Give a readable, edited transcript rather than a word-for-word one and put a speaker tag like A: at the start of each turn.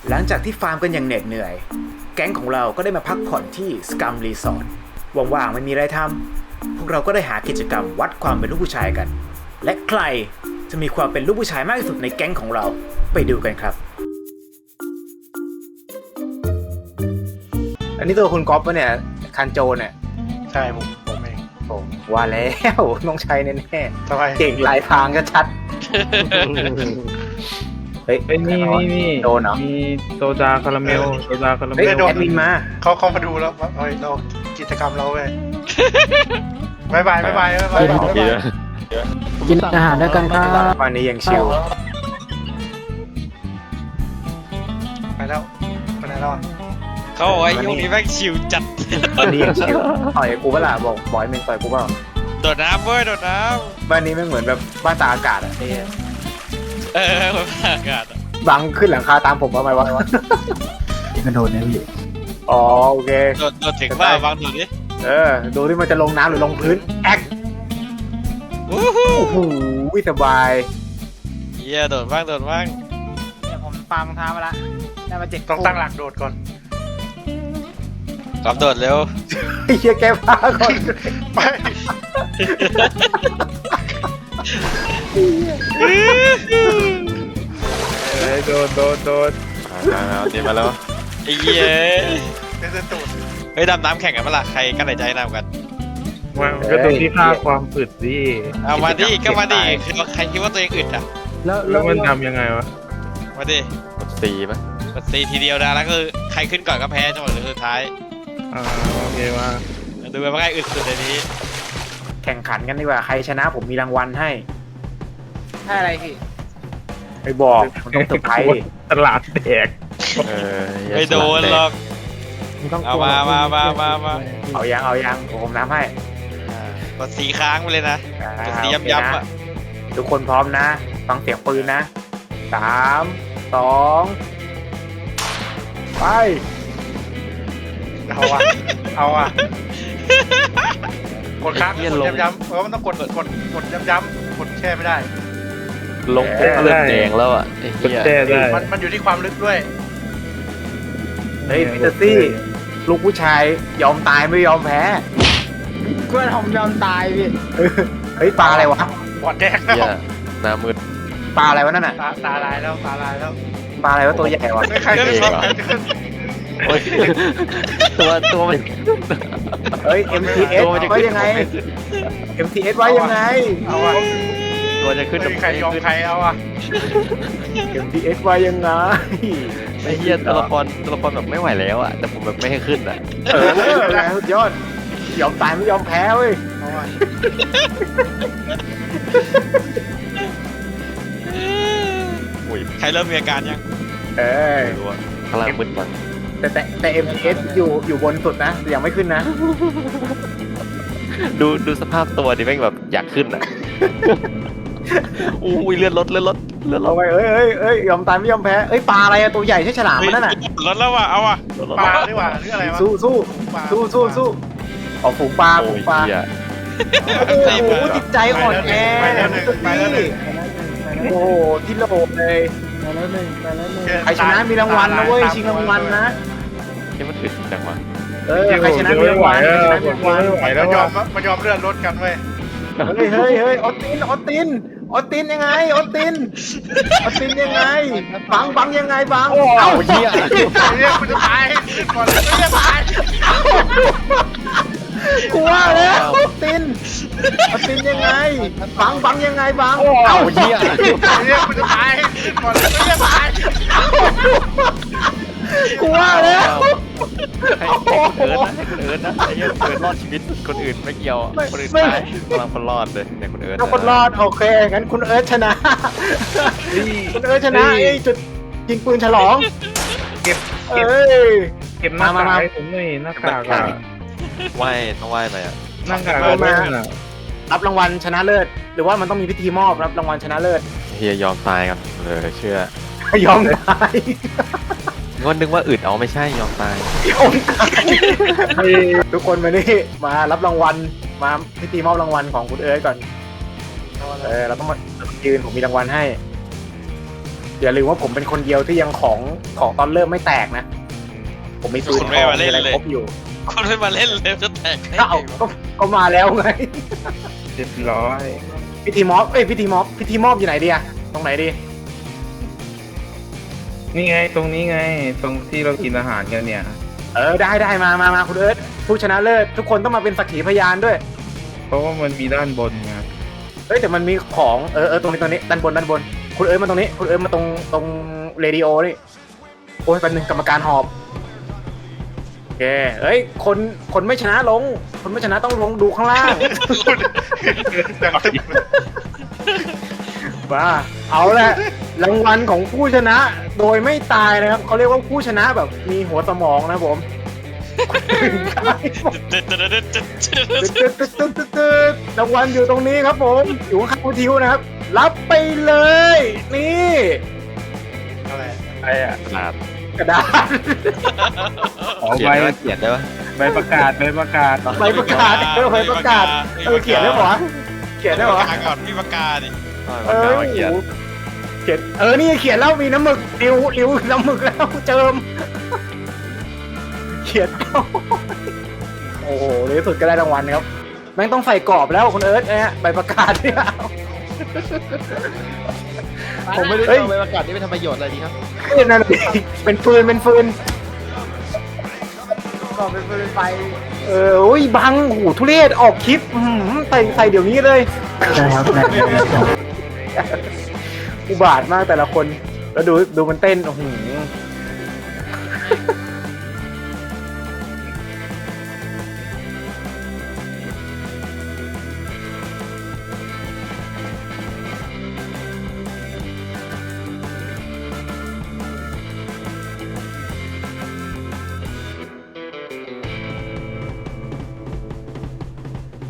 A: หลังจากที่ฟาร์มกันอย่างเหน็ดเหนื่อยแก๊งของเราก็ได้มาพักผ่อนที่สกัมรีสอร์ทว่างๆไม่มีอะไรทำพวกเราก็ได้หากิจกรรมวัดความเป็นลูกผู้ชายกันและใครจะมีความเป็นลูกผู้ชายมากที่สุดในแก๊งของเราไปดูกันครับอันนี้ตัวคุณก๊อฟปะเนี่ยคันโจเนี่ย
B: ใช่ผมเอง
A: ผมว่าแล้วต้องใช้แน่
B: ทำไม
A: ๆเก่งลายพรางชัดๆเฮ้ย
C: นี่
A: โดนเหรอ
C: มีโซดาคาราเมลโซดาคาราเม
A: เฮ้ย
C: ล
A: แอดมินมา
B: เขามาดูแล้วว่าเฮ้ยเรากิจกรรมเราเว้ยบาย
D: กินอาหารด้วยกันครับ
A: วันนี้ยังชิล
B: ไปแล้วไปไหนแล้วอ่ะ
E: เขาบอกว่ายุคนี้แม่งชิวจัด
A: วันนี้ยังชิลต่อยกูเปล่าบอกบอยเมนต่อยกูเปล่า
E: โดดน้ำเว้ยโดดน้
A: บ้านนี้ไม่เหมือนแบบบ้านตากอากาศอะไอ้เหี้ย
E: ำเหมือนอากาศอะ
A: บังขึ้นหลังคาตามผมมาไหมวะ
D: กระโดดนะพี่
A: อ๋อโอเค
E: โดดถึงว่าบางโดดดิ
A: ดูที่มันจะลงน้ำหรือลงพื้นแอ๊ก
E: วู้ฮู้
A: โอ้โหสบาย
E: เฮียโดดบ้าง
A: เนี่ยผมฟาร์มรองเท้ามาละได้มา7
B: ต้องตั้งหลักโดดก่อน
E: กลับโดดเร็ว
A: ไอ้เหี้ยแก้ผ้าก่อน
B: ไป
C: โดด
F: เอาดีมาแล้ว
E: ไอ้เหี้ย
B: เดินตูด
E: เฮ้ยดำน้ำแข่งกันปะล่ะใครกั้นหายใจน้ำกัน
C: มันก็ตรงที่ค่าความอึดดิ
E: เอามาดิก็มาดิคือใครคิดว่าตัวเองอึดอ่ะ
C: แล้วมันทำยังไงวะ
E: มาดิ
F: กดสีป่ะ
E: กดซีทีเดียวนะแล้วก็คือใครขึ้นก่อนก็แพ้จังหวะสุดท้าย
C: โอเคว่า
E: ดูกันว่าใครอึดสุดในนี้
A: แข่งขันกันดีกว่าใครชนะผมมีรางวัลให้ให้อะไรพี่ไม่บอกมันต้องเซอร์ไพรส์ดิ
C: ตลาดแดก
E: ไม่โดนหรอก
D: ไม่ต้อง
E: เอามา
A: เอายังผมน้ำให้
E: กดสีค้างไปเลยนะกดสีย้ำๆอ่ะ
A: ทุกคนพร้อมนะ ฟังเสียงปืนนะ3 2ไป
B: เอาอ่ะกดค้างกดย้ำๆมันต้องกดย้ำๆกดแช่ไม่ได้
F: ลงปุ๊บเริ่มแดงแล้วอ่ะไอ้
C: กด
F: เหี้ย
C: แช่ได้
B: มันอยู่ที่ความลึกด้วย
A: เฮ้ยพีเตอร์ซี่ลูกผู้ชายยอมตายไม่ยอมแพ้เพื่อนผมยอมตายพี่เฮ้ยปลาอะไรวะ
B: บอดแดงแล้ว
F: เหี้ยหน้ามืด
A: ปลาอะไรวะนั่นน่ะ
B: ตาลายแล้ว
A: ปลาอะไรวะตัวใหญ่วะ
B: ไม่ใครขึ้น
F: โอ้ยตัวมัน
A: เฮ้ย MTS ไว้ยังไง MTS ไว้ยังไง
B: เอาอ่ะ
F: ตัวจะขึ้น
B: ไม่มีใครยอมใครเอาอ่ะ
A: MTS ไว้ยังไง
F: ไอ้เหี้ยตัวละครแบบไม่ไหวแล้วอ่ะแต่ผมแบบไม่ให้ขึ้นอ่ะ
A: สุดยอดยอมตายไม่ยอมแพ้เว้ย
B: เอาอ่ะ
F: อุ้ย
E: ใครเริ่มมีอาการยัง
A: เอ้ย
F: ไม่รู้อ่ะข้างล่างมืดจัง
A: แต่ MTS อยู่บนสุดนะยังไม่ขึ้นนะ
F: ดูสภาพตัวดิแม่งแบบอยากขึ้นอ่ะอุ้ยเลือดลด
A: เอาไปเอ้ยยอมตายไม่ยอมแพ้เอ้ยปลาอะไรอะตัวใหญ่ใช่ฉลามมันนั่นน่ะ
E: ลดแล้วว่ะเอาอ่ะ
B: ปลาดีกว่าหรืออะไรวะ
A: สู้ออกฝูงปลา
F: โอ้
A: ฝู
F: ย
A: งปลา
F: เหี้ย
A: โอ้โหจิตใจอ่อนแอ
B: ไปแล้วหนึ่ง
A: โอ้โหที่โลกเลย
D: ไปแล้วหนึ่ง
A: ใครชนะมีรางวัลนะเว้ยชิงรางวัลนะ
F: ที่มันอึดจังวะ
A: ใครชนะมีรางวัลใครชนะมีรางวัล
C: ไม่ไหวแล้ว
B: มันยอมเลื่อนรถกันเว้ย
A: เฮ้ยออสตินยังไงออสตินยังไงบังยังไงบังเอ้าเหี้ย
B: เรียกคุณจะตายก่อนเลยไม่ตาย
A: กูว่าแล้วออสตินยังไงบังยังไงบังเอ้าเหี้ย
B: เรียกคุณจะตายก่อนเลยไม่ตาย
A: กูว่าแล้ว
F: ให้คุณเอิร์ธนะไอ้เหี้ยคุณเอิร์ธรอดชีวิตคนอื่นไม่เกี่ยวอะคนอื่นตายกำลังคนรอดเลยเนี่ยคุณเอิร์ธ
A: ถ้าคนรอดโอเคงั้นคุณเอิร์ธชนะคุณเอิร์ธชนะไอ้จุดยิงปืนฉลอง
C: เก็บ
A: เอ้ย
C: เก็บหน้ากาก
A: มา
C: ให้ผมหน่อยหน้ากากอะ
F: ไหว้ต้องไหว้ไปอ่ะ
C: หน้ากาก
A: เอามา
C: อะ
A: รับรางวัลชนะเลิศหรือว่ามันต้องมีพิธีมอบรับรางวัลชนะเลิศ
F: เฮียยอมตายกันเลยเชื่อย
A: อมตาย
F: ก็นึกว่าอึดเอาไม่ใช่ยอมตาย
A: ยอมตายทุกคนมานี่มารับรางวัลมาพิธีมอบรางวัลของคุณเอิร์ธก่อนเราต้องมายืนผมมีรางวัลให้อย่าลืมว่าผมเป็นคนเดียวที่ยังของตอนเริ่มไม่แตกนะ ผมมีปืน
E: คุณไม่มาเล่น
A: อะไร
E: เลย
A: ครบอยู่
E: คนไม่มาเล่นเลยจะแตกได้
A: ก็เอา
E: ไงวะ
A: ก็มาแล้วไง
C: เรียบร้อย
A: พิธีมอบพิธีมอบอยู่ไหนดีอะตรงไหนดี
C: นี่ไงตรงนี้ไง ตรงที่เรากินอาหารกันเนี่ย
A: ได้มาคุณเอิร์ธผู้ชนะเลิศทุกคนต้องมาเป็นสักขีพยานด้วย
C: เพราะว่ามันมีด้านบนไง
A: เฮ้ยแต่มันมีของตรงนี้ด้านบนคุณเอิร์ธมาตรงนี้คุณเอิร์ธมาตรงเรดิโอนี่โอ้ยเป็นหนึ่งกรรมการหอบโอเคเฮ้ยคนไม่ชนะลงคนไม่ชนะต้องลงดูข้างล่าง
B: ดังตึ๊บ
A: ว่าเอาละรางวัลของผู้ชนะโดยไม่ตายนะครับเขาเรียกว่าผู้ชนะแบบมีหัวสมองนะครับผมรางวัลอยู่ตรงนี้ครับผมอยู่ข้างๆทิวนะครับ รับไปเลย นี่
B: อะไร
C: ไอ้อะ
F: ขนาด
A: กระดาษ
C: อ๋อ
F: เขีย
C: ใบ
F: นได้ปะเขียนได้ปะ
C: ใบประกาศใบประกาศ
A: ใบประกาศใบประกาศเขียนได้หรอเขียนได้หรอ
E: ประกาศก่อนพี่ประกาศดิ
A: เขียนนี่เขียนแล้วมีน้ำหมึกริ้วน้ำหมึกแล้วเจิมเขียนโอ้โหในที่สุดก็ได้รางวัลครับแม่งต้องใส่กรอบแล้วคุณเอิร์ธเนี่ยใบประกาศเนี่ยผมไม่ได้เอาใบประกาศนี่ไปทำประโยชน์อะไรดีครับนั่นเป็นฟืนก็เป็นฟืนไฟโอ้ยบังโอ้โหทุเรศออกคลิปใส่เดี๋ยวนี้เลย
D: ได้ครับได้
A: อุบาทมากแต่ละคนแล้วดูมันเต้นโอ้โห